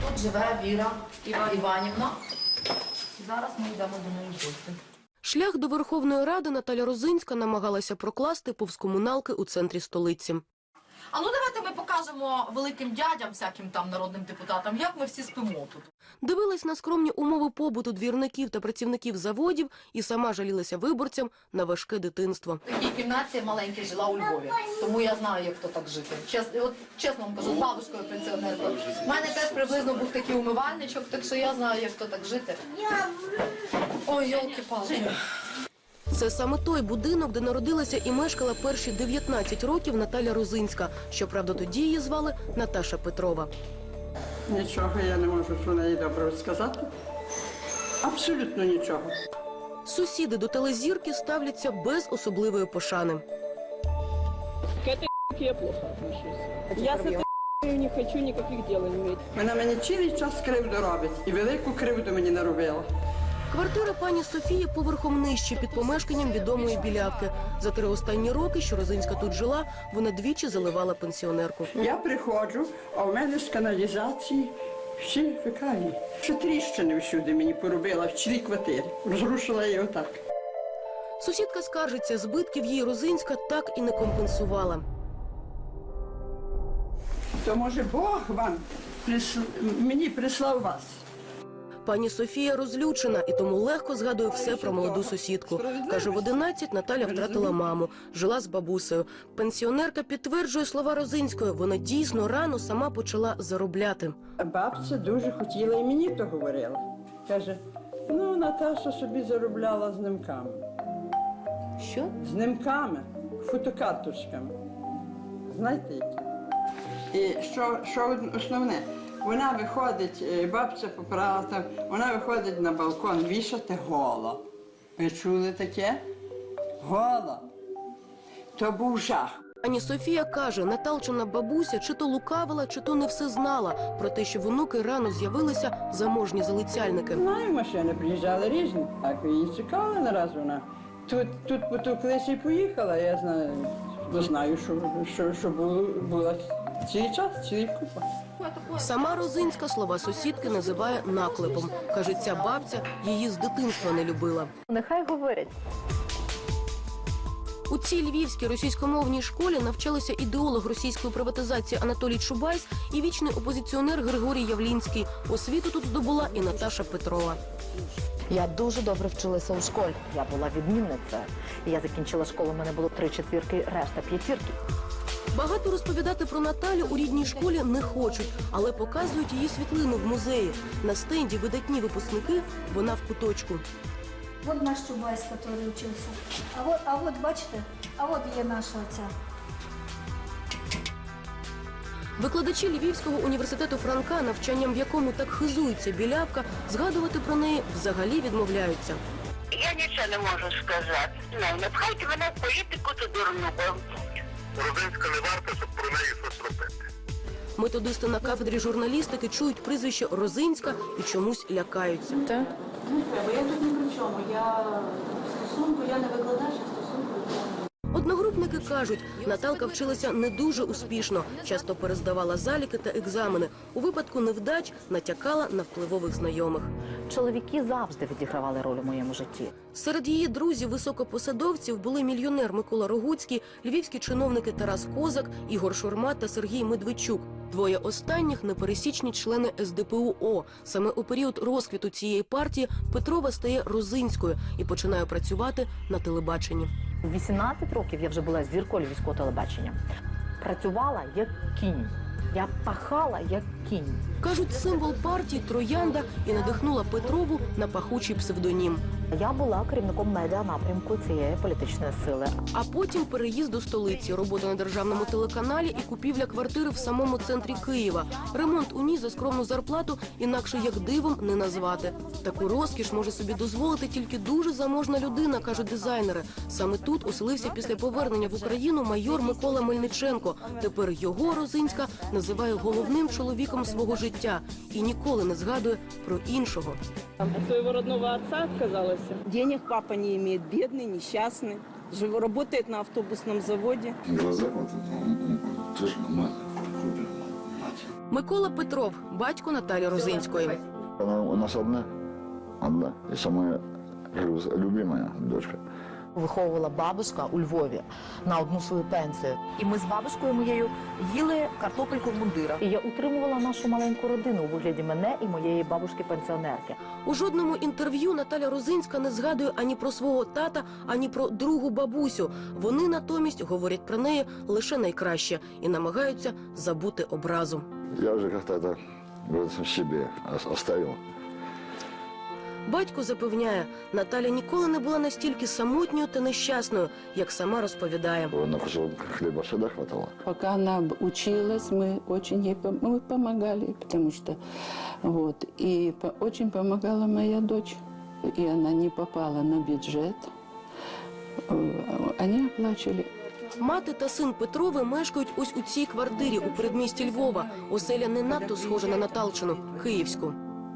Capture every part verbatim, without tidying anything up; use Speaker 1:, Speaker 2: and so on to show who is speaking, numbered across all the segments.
Speaker 1: Тут живе Віра Іванівна. Зараз ми йдемо до неї в гості.
Speaker 2: Шлях до Верховної Ради Наталя Розинська намагалася прокласти повз комуналки у центрі столиці.
Speaker 1: А ну давайте ми покажемо великим дядям, всяким там народним депутатам, як ми всі спимо тут.
Speaker 2: Дивилась на скромні умови побуту двірників та працівників заводів і сама жалілася виборцям на важке дитинство.
Speaker 1: В такій кімнаті маленькій жила у Львові, тому я знаю, як то так жити. Чесно, от, чесно вам кажу, з бабушкою пенсіонеркою. У мене теж приблизно був такий умивальничок, так що я знаю, як то так жити. Ой, йолки-палки.
Speaker 2: Це саме той будинок, де народилася і мешкала перші дев'ятнадцять років Наталя Розинська. Щоправда, тоді її звали Наташа Петрова.
Speaker 3: Нічого я не можу про неї добре сказати. Абсолютно нічого.
Speaker 2: Сусіди до телезірки ставляться без особливої пошани.
Speaker 4: К этой я плохо отношусь. Я с этой не хочу никаких дел иметь.
Speaker 3: Вона мені цілий час кривду робить. І велику кривду мені наробила.
Speaker 2: Квартира пані Софії поверхом нижче, під помешканням відомої білявки. За три останні роки, що Розинська тут жила, вона двічі заливала пенсіонерку.
Speaker 3: Я приходжу, а в мене з каналізації всі фекалії. Ще тріщини всюди мені поробила в цілій квартирі. Розрушила її отак.
Speaker 2: Сусідка скаржиться, збитків їй Розинська так і не компенсувала.
Speaker 3: То, може, Бог вам присл... мені прислав вас.
Speaker 2: Пані Софія розлючена і тому легко згадує все про молоду сусідку. Каже, в одинадцять Наталя втратила маму, жила з бабусею. Пенсіонерка підтверджує слова Розинської. Вона дійсно рано сама почала заробляти.
Speaker 3: Бабця дуже хотіла і мені то говорила. Каже, ну, Наташа собі заробляла з нимками.
Speaker 2: Що?
Speaker 3: З нимками, фотокарточками. Знаєте які? І що, що основне? Вона виходить, бабця поправила там, вона виходить на балкон вішати гола. Ви чули таке? Гола. То був жах.
Speaker 2: Пані Софія каже, Наталчина бабуся чи то лукавила, чи то не все знала про те, що в онуки рано з'явилися заможні залицяльники.
Speaker 3: Знаю, машини приїжджали різні. Так, її чекали нараз вона. Тут, тут потоклися і поїхала, я знаю, знаю, що, що, що було, була цілий час, цілий купа.
Speaker 2: Сама Розинська слова сусідки називає наклепом. Каже, ця бабця її з дитинства не любила.
Speaker 5: Нехай говорять.
Speaker 2: У цій львівській російськомовній школі навчалися ідеолог російської приватизації Анатолій Чубайс і вічний опозиціонер Григорій Явлінський. Освіту тут здобула і Наташа Петрова.
Speaker 5: Я дуже добре вчилася у школі. Я була відмінницею. Я закінчила школу, у мене було три четвірки, решта п'ятірки.
Speaker 2: Багато розповідати про Наталю у рідній школі не хочуть, але показують її світлину в музеї. На стенді видатні випускники, вона в куточку.
Speaker 6: Вот наш Чубайс, который учился. А вот, а вот, бачите, а вот є наша оця.
Speaker 2: Викладачі Львівського університету Франка, навчанням в якому так хизується білявка, згадувати про неї взагалі відмовляються.
Speaker 7: Я нічого не можу сказати. Ну, не пхайте мене в політику, то дурну, бо
Speaker 8: Розинська не варта, щоб про неї щось робити.
Speaker 2: Методисти на кафедрі журналістики чують прізвище Розинська і чомусь лякаються.
Speaker 5: Так?
Speaker 9: Бо я тут ні при чому. Я в стосунку, я не викладач, а стосунку.
Speaker 2: Одногрупники кажуть, Наталка вчилася не дуже успішно, часто перездавала заліки та екзамени. У випадку невдач натякала на впливових знайомих.
Speaker 5: Чоловіки завжди відігравали роль у моєму житті.
Speaker 2: Серед її друзів-високопосадовців були мільйонер Микола Рогуцький, львівські чиновники Тарас Козак, Ігор Шурма та Сергій Медведчук. Двоє останніх – непересічні члени ес де пе у о. Саме у період розквіту цієї партії Петрова стає Розинською і починає працювати на телебаченні.
Speaker 5: У вісімнадцять років я вже була зіркою львівського телебачення. Працювала як кінь. Я пахала як кінь.
Speaker 2: Кажуть, символ партії – троянда і надихнула Петрову на пахучий псевдонім.
Speaker 5: Я була керівником медіа-напрямку цієї політичної сили.
Speaker 2: А потім переїзд до столиці, робота на державному телеканалі і купівля квартири в самому центрі Києва. Ремонт у ній за скромну зарплату інакше як дивом не назвати. Таку розкіш може собі дозволити тільки дуже заможна людина, кажуть дизайнери. Саме тут оселився після повернення в Україну майор Микола Мельниченко. Тепер його Розинська називає головним чоловіком свого життя і ніколи не згадує про іншого.
Speaker 4: От своего родного отца отказалась.
Speaker 9: Денег папа не имеет, бедный, несчастный. Жив, работает на автобусном заводе.
Speaker 8: Глаза вот, тоже мать, мать.
Speaker 2: Микола Петров, батько Наталі Розинської.
Speaker 10: Она у нас одна, одна, и самая любимая дочка.
Speaker 5: Виховувала бабушка у Львові на одну свою пенсію. І ми з бабушкою моєю їли картопельку в мундирах. І я утримувала нашу маленьку родину у вигляді мене і моєї бабушки-пенсіонерки.
Speaker 2: У жодному інтерв'ю Наталя Розинська не згадує ані про свого тата, ані про другу бабусю. Вони натомість говорять про неї лише найкраще і намагаються забути образу.
Speaker 10: Я уже как-то это в себе оставил.
Speaker 2: Батько запевняє, Наталя ніколи не була настільки самотньою та нещасною, як сама розповідає.
Speaker 10: На кусок хлеба всегда хватало.
Speaker 11: Пока она училась, мы очень ей пом- мы помогали, потому что вот и по- очень помогала моя дочь, и она не попала на бюджет. Э, Они оплачивали.
Speaker 2: Мати та син Петрови мешкають ось у цій квартирі у передмісті Львова. Оселя не надто схожа на Наталчину, київську.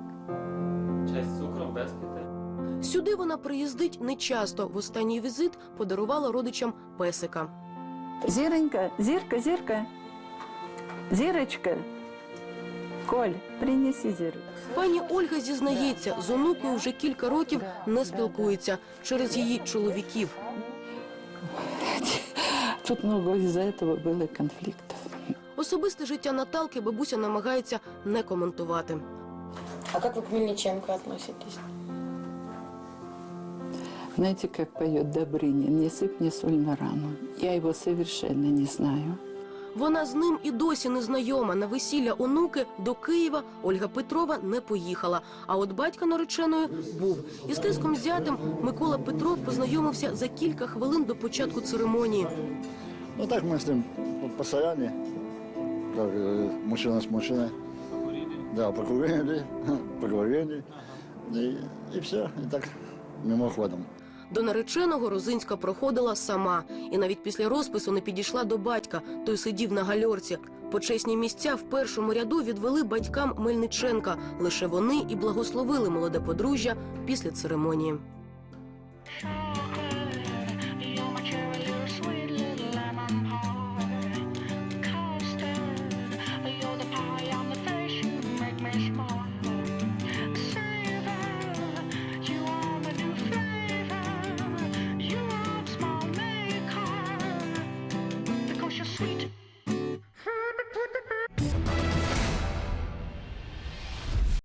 Speaker 2: Сюди вона приїздить нечасто. В останній візит подарувала родичам песика.
Speaker 11: Зиронька, Зирка, Зирка, Зирочка, Коль, принеси Зирку.
Speaker 2: Пані Ольга зізнається, з онукою вже кілька років не спілкується через її чоловіків.
Speaker 11: Тут много из-за этого было конфликтов.
Speaker 2: Особисте життя Наталки бабуся намагається не коментувати.
Speaker 12: А как вы к Мельниченко относитесь?
Speaker 11: Знаете, как поет Добрынин, не сыпь мне соль на рану. Я его совершенно не знаю.
Speaker 2: Вона з ним і досі не знайома. На весілля онуки до Києва Ольга Петрова не поїхала. А от батька нареченої був. Із тиском зятем Микола Петров познайомився за кілька хвилин до початку церемонії.
Speaker 10: Ну так мы с ним постоянно, как э, мужчина с мужчиной. Да, покурили, поговорили, и, и все, и так мимоходом.
Speaker 2: До нареченого Розинська проходила сама. І навіть після розпису не підійшла до батька. Той сидів на гальорці. Почесні місця в першому ряду відвели батькам Мельниченка. Лише вони і благословили молоде подружжя після церемонії.